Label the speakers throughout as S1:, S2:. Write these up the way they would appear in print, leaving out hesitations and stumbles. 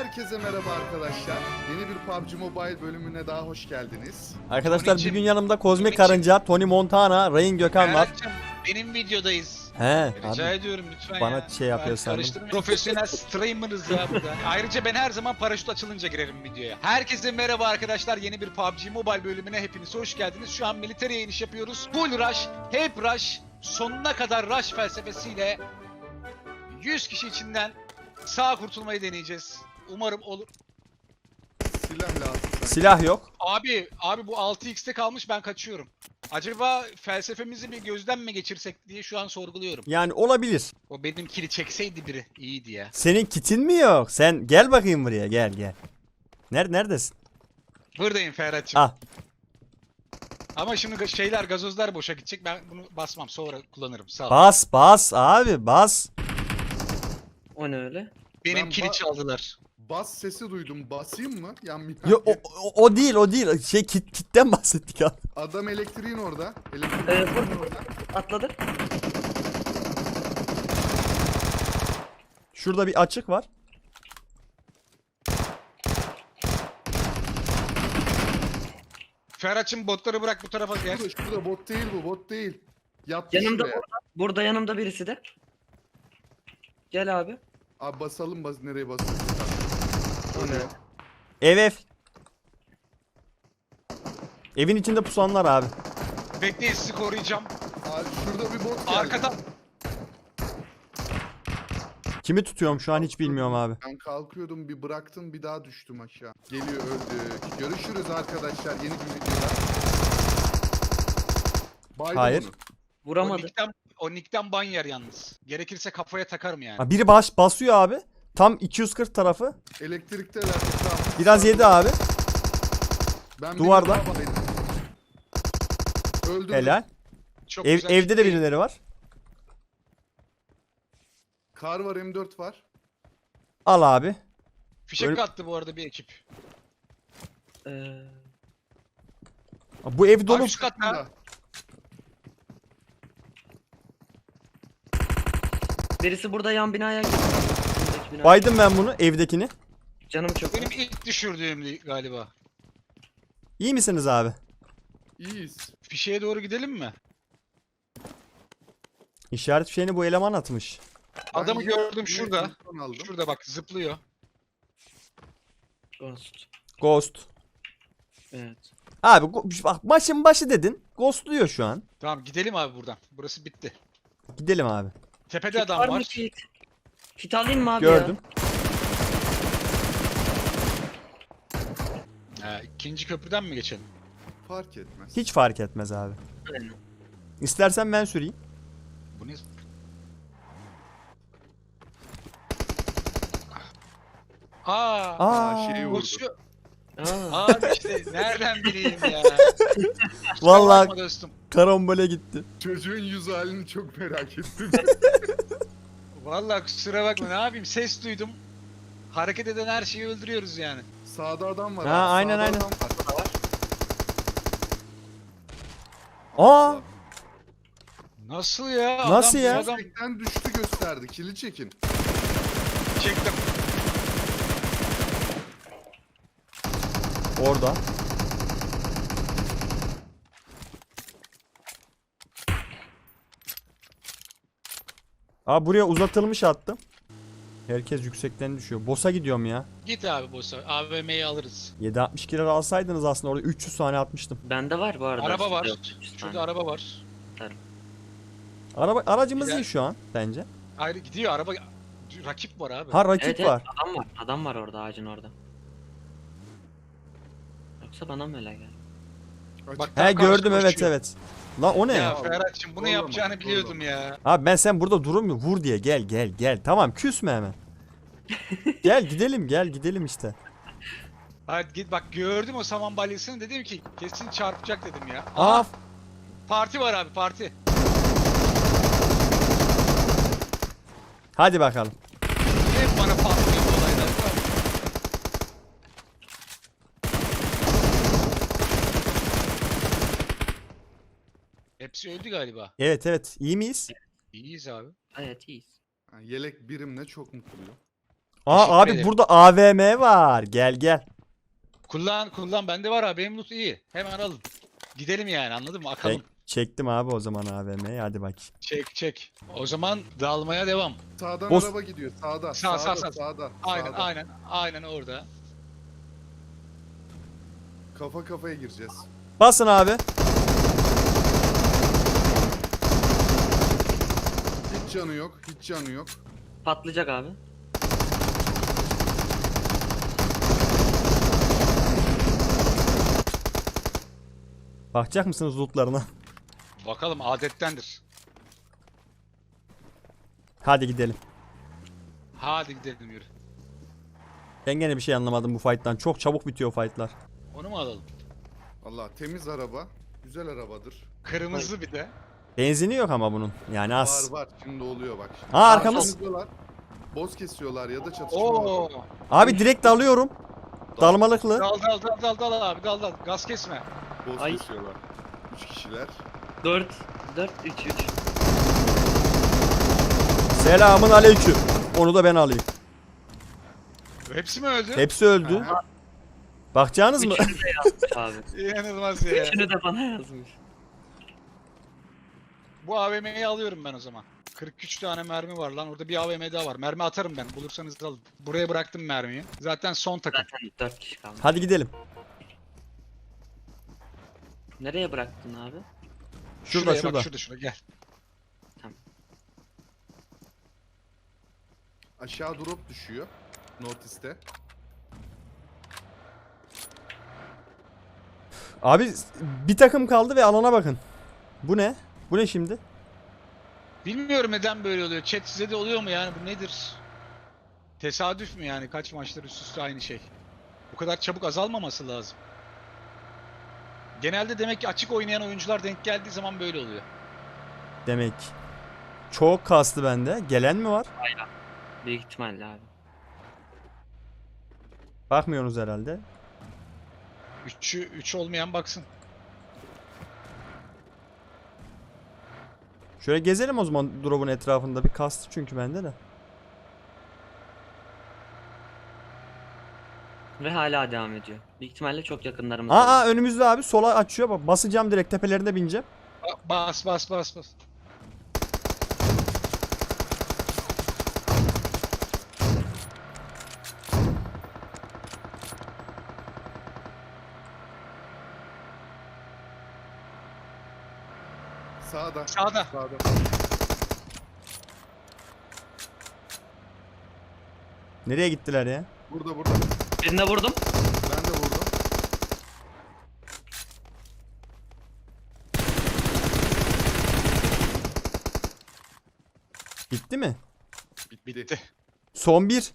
S1: Herkese merhaba arkadaşlar. Yeni bir PUBG Mobile bölümüne daha hoş geldiniz.
S2: Arkadaşlar
S3: Tony'cim,
S2: bugün yanımda Kozmik
S3: Tony'cim.
S2: Karınca, Tony Montana, Rain Gökhan var.
S3: Ferhat'cığım benim videodayız.
S2: He
S3: Rica
S2: abi.
S3: ediyorum lütfen
S2: bana
S3: ya.
S2: şey yapıyor
S3: Ben
S2: sandım.
S3: karıştırmayın. Profesyonel streamer'ız ya burada. Ayrıca ben her zaman paraşüt açılınca girerim videoya. Herkese merhaba arkadaşlar. Yeni bir PUBG Mobile bölümüne hepiniz hoş geldiniz. Şu an military iniş yapıyoruz. Full rush, hep rush, sonuna kadar rush felsefesiyle 100 kişi içinden sağ kurtulmayı deneyeceğiz. Umarım olur.
S1: Silah lazım sanki.
S2: Silah yok.
S3: Abi bu 6x'te kalmış, ben kaçıyorum. Acaba felsefemizi bir gözden mi geçirsek diye şu an sorguluyorum.
S2: Yani olabilir.
S3: O benimkini çekseydi biri iyiydi ya.
S2: Senin kitin mi yok? Sen gel bakayım buraya, gel. Neredesin?
S3: Buradayım Ferhat'cığım.
S2: Ah.
S3: Ama şimdi şeyler, gazozlar boşa gidecek. Ben bunu basmam, sonra kullanırım. Sağ ol.
S2: Bas abi bas.
S3: O ne öyle? Benim
S1: Ben
S3: kili çaldılar.
S1: Bas sesi duydum. Basayım mı?
S2: Yo, o değil. Şey kitten bahsettik abi.
S1: Adam elektriğin orada. Elektriğin
S4: Evet,
S1: orada.
S4: Atladı.
S2: Şurada bir açık var.
S3: Ferhat'cığım botları bırak, bu tarafa gel.
S1: Şurada bot değil bu, bot değil. Yattı
S4: Yanımda
S1: şuraya.
S4: burada yanımda birisi de. Gel abi.
S1: Abi basalım, nereye basıyoruz? O ne?
S2: Ev. Evin içinde pusanlar abi.
S3: Bekleyin, sizi koruyacağım.
S1: Abi şurada bir bot geldi.
S3: Arkadan.
S2: Kimi tutuyorum şu an hiç bilmiyorum abi.
S1: Ben kalkıyordum, bir bıraktım, bir daha düştüm aşağı. Geliyor, öldük. Görüşürüz arkadaşlar yeni bir videoda. Baydım
S2: Hayır.
S1: onu.
S4: Vuramadı.
S3: O nickten ban yer yalnız. Gerekirse kafaya takarım yani.
S2: Ha, biri basıyor abi. Tam 240 tarafı.
S1: Elektrikteler. etrafı
S2: Biraz yedi abi.
S1: Ben
S2: Duvarda.
S1: bir daha baydım. Öldürdüm.
S2: Helal.
S3: Çok güzel.
S2: Evde de birileri var.
S1: Kar var, M4 var.
S2: Al abi.
S3: Fişek
S2: Öyle-
S3: attı bu arada bir ekip.
S2: Bu ev dolu.
S3: Abi üst katta.
S1: Burada.
S4: Birisi burada yan binaya gitti. Buradaki bina.
S2: Baydım ben bunu, evdekini.
S4: Canım çok.
S3: Benim ilk düşürdüğüm galiba.
S2: İyi misiniz abi?
S1: İyiyiz.
S3: Fişeğe doğru gidelim mi?
S2: İşaret fişeğini bu eleman atmış.
S1: Ben
S3: Adamı
S1: yine-
S3: gördüm
S1: yine
S3: şurada.
S1: telefon aldım.
S3: Şurada bak, zıplıyor.
S4: Ghost.
S2: Ghost.
S4: Evet.
S2: Abi bak başın başı dedin. Ghostluyor şu an.
S3: Tamam, gidelim abi buradan. Burası bitti.
S2: Gidelim abi.
S3: Tepede
S4: Kit
S3: adam
S4: var
S3: var.
S4: mı kit? Kit alayım mı abi
S2: Gördüm.
S3: İkinci köprüden mi geçelim?
S1: Fark etmez.
S2: Hiç fark etmez abi.
S4: ya? Aynen.
S2: İstersen ben süreyim.
S3: Bu ne?
S2: Aa.
S1: Vurdu.
S3: Koşuyor.
S4: Aa,
S3: Abi işte nereden bileyim ya.
S2: Vallahi
S3: Bakma dostum.
S2: karambole gitti.
S1: Çocuğun yüz halini çok merak ettim.
S3: Vallahi kusura bakma, ne yapayım, ses duydum. Hareket eden her şeyi öldürüyoruz yani.
S1: Sağda adam var.
S2: Ha,
S1: abi,
S2: aynen,
S1: sağda
S2: aynen.
S1: adam var.
S2: Aa!
S3: Nasıl ya?
S2: Nasıl ya?
S3: Adam
S1: Yüksekten düştü gösterdi. Kili çekin.
S3: çektim.
S2: Orada. Aa, buraya uzatılmış attım. Herkes yüksekten düşüyor. Boss'a gidiyorum ya.
S3: Git abi boss'a. AVM'yi alırız.
S2: 7.62 lira alsaydınız aslında orada 300 tane atmıştım.
S4: bende var bu arada.
S3: Araba var.
S4: Yok, 300
S3: Şurada
S4: tane.
S3: araba var.
S2: Aracımız
S3: Güzel.
S2: iyi şu an bence.
S3: Ayrı gidiyor araba. Rakip var abi.
S2: Ha, rakip
S4: Evet, evet,
S2: var.
S4: adam var. Adam var orada, ağacın orada. Yoksa bana mı öyle geldi?
S3: Bak,
S2: He,
S3: tam
S2: gördüm,
S3: karşı
S2: evet
S3: koşuyor.
S2: evet. Lan o ne?
S3: Ya Ferhat'cığım bunu
S1: Zorlama,
S3: yapacağını biliyordum
S1: zorlama.
S3: ya.
S2: Abi ben sen burada durmuyor. Vur diye gel. Tamam, küsme hemen. Gel gidelim işte.
S3: Hadi git, bak gördüm o saman balyasını, dedim ki kesin çarpacak dedim ya.
S2: Aa,
S3: Parti var abi, parti.
S2: hadi bakalım.
S3: Hep bana patlıyor bu olaylar. Hepsi öldü galiba.
S2: Evet, iyi miyiz?
S3: İyiyiz abi.
S4: Evet, iyiyiz.
S1: Ha, yelek birimle çok mutluyum.
S2: Aa
S3: Teşekkür
S2: abi
S3: ederim.
S2: burada AVM var. Gel gel.
S3: Kullan bende var abi. Benim loot iyi. Hemen alın. Gidelim yani, anladın mı? Akalım.
S2: Çektim abi o zaman AVM'yi. Hadi bak.
S3: Çek. O zaman dalmaya devam.
S1: Sağdan
S2: Boss-
S1: araba gidiyor. Sağda.
S3: Sağ.
S1: Sağda.
S3: Aynen
S1: Sağda.
S3: aynen orada.
S1: Kafa kafaya gireceğiz.
S2: Basın abi.
S1: Hiç canı yok. Hiç canı yok.
S4: Patlayacak abi.
S2: Bakacak mısınız lootlarına?
S3: Bakalım, adettendir.
S2: Hadi gidelim.
S3: Hadi gidelim, yürü.
S2: Ben gene bir şey anlamadım bu fight'tan. Çok çabuk bitiyor fight'lar.
S3: Onu mu alalım?
S1: Allah temiz araba. Güzel arabadır.
S3: Kırmızı bir de.
S2: Benzini yok ama bunun. Yani az.
S1: Var. Şimdi oluyor bak şimdi.
S2: Aa arkamız.
S1: Arkamızdalar. Boz kesiyorlar ya da çatışma
S3: Oo.
S1: var.
S2: Abi direkt dalıyorum. Dalmalıklı.
S3: Dal abi, dal. Gaz kesme.
S1: Boz
S4: Ay.
S1: kesiyorlar. 3 kişiler.
S4: 4 3 3.
S2: Selamun aleyküm. Onu da ben alayım.
S3: Hepsi mi öldü?
S2: Hepsi öldü.
S1: Aha.
S2: Bakacağınız mı?
S4: Üçünü de yazmış abi.
S3: İnanılmaz ya.
S4: Üçünü de bana yazmış.
S3: Bu AVM'yi alıyorum ben o zaman. 43 tane mermi var lan. Orada bir AVM daha var. Mermi atarım ben. Bulursanız alın. Buraya bıraktım mermiyi. Zaten son takım.
S4: Zaten 4 kişi kaldı.
S2: Hadi gidelim.
S4: Nereye bıraktın abi?
S2: Şurada
S3: Şuraya bak,
S2: şurada.
S3: şurada gel.
S1: Aşağı drop düşüyor. Northeast'e.
S2: Abi bir takım kaldı ve alana bakın. Bu ne? Bu ne şimdi?
S3: Bilmiyorum neden böyle oluyor. Chat size de oluyor mu yani? Bu nedir? Tesadüf mü yani? Kaç maçlar üst üste aynı şey. Bu kadar çabuk azalmaması lazım. Genelde demek ki açık oynayan oyuncular denk geldiği zaman böyle oluyor.
S2: Demek. Çok kastı bende. Gelen mi var?
S4: Büyük ihtimalle abi.
S2: Bakmıyorsunuz herhalde.
S3: 3 olmayan baksın.
S2: Şöyle gezelim o zaman drop'un etrafında. Bir kastı çünkü bende de.
S4: Ve hala devam ediyor. Büyük ihtimalle çok yakınlarımızda.
S2: Aa önümüzde abi sola açıyor. Bak basacağım direkt tepelerine bineceğim.
S3: Bas.
S1: Sağda.
S3: Sağda.
S1: Sağda.
S2: Nereye gittiler ya?
S1: Burada.
S4: Birine vurdum.
S1: Ben de vurdum.
S2: Bitti mi?
S3: Bitti.
S2: Son bir.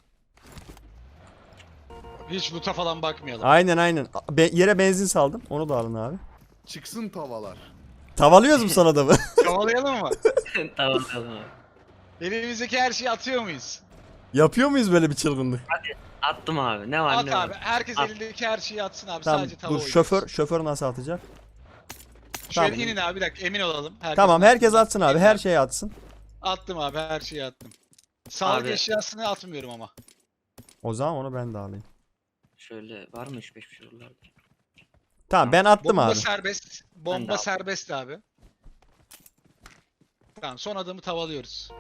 S3: Hiç loot'a falan bakmayalım.
S2: Aynen. Yere benzin saldım. Onu da alın abi.
S1: Çıksın tavalar.
S2: Tavalıyoruz mu son adamı?
S3: Kovalayalım mı?
S4: Tamam abi.
S3: Elimizdeki her şeyi atıyor muyuz?
S2: Yapıyor muyuz böyle bir çılgınlık?
S4: Attım abi. Ne var
S3: At
S4: ne
S3: abi.
S4: var.
S3: Herkes
S4: At.
S3: elindeki her şeyi atsın abi.
S2: Tamam
S3: Sadece tava
S2: dur
S3: oynuyoruz.
S2: şoför nasıl atacak?
S3: Şöyle
S2: Tamam.
S3: inin abi, bir dakika, emin olalım.
S2: Tamam herkes atsın abi, her şeyi atsın.
S3: Attım abi, her şeyi attım. Sağlık
S4: Abi.
S3: eşyasını atmıyorum ama.
S2: O zaman onu ben de alayım.
S4: Şöyle var mı 3-5 bir şeyler?
S2: Tamam ben attım
S3: Bomba
S2: abi.
S3: serbest.
S4: Ben de
S3: Bomba
S4: aldım.
S3: serbest abi. Tamam, son adamı tavalıyoruz.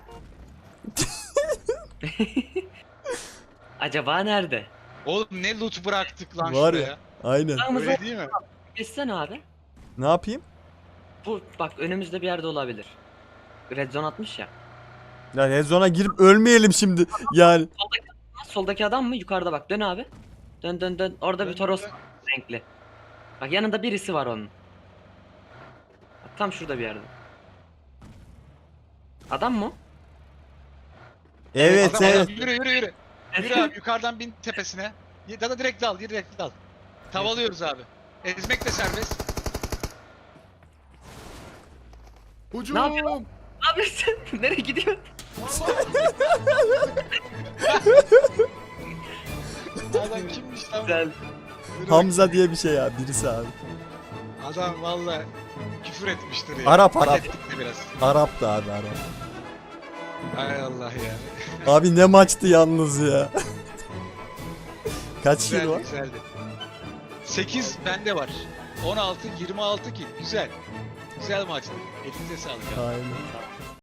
S4: Acaba nerede?
S3: Oğlum ne loot bıraktık lan
S2: Var
S3: şuraya.
S2: ya. Aynen.
S4: Sağımıza
S3: Öyle değil mi?
S4: geçsene abi.
S2: Ne yapayım?
S4: Bu bak önümüzde bir yerde olabilir. Red zone atmış ya.
S2: Ya red zone'a girip ölmeyelim şimdi. Yani.
S4: Soldaki adam mı? Yukarıda bak. Dön abi. Dön. Orada bir Toros renkli. Bak yanında birisi var onun. Bak, tam şurada bir yerde. Adam mı?
S2: Evet
S3: Adam,
S2: evet.
S3: yürü. Yürü abi, yukarıdan bin tepesine. Ya da direkt dal. Tavalıyoruz abi. Ezmek de serbest.
S1: Hücum.
S4: Ne yapıyorsun? Abi sen nereye gidiyorsun?
S3: Adam kimmiş lan?
S4: Güzel.
S3: Yürü.
S2: Hamza diye bir şey ya birisi abi.
S3: Adam valla küfür etmiştir ya.
S2: Arap.
S3: Hallettik de biraz.
S2: Arap da abi Arap.
S3: Hay Allah ya.
S2: Abi ne maçtı yalnız ya. Kaç kill
S3: Güzeldi
S2: var?
S3: güzeldi. 8 bende var. 16, 26 kill. Güzel. Güzel maçtı. Elinize sağlık abi.
S2: Aynen.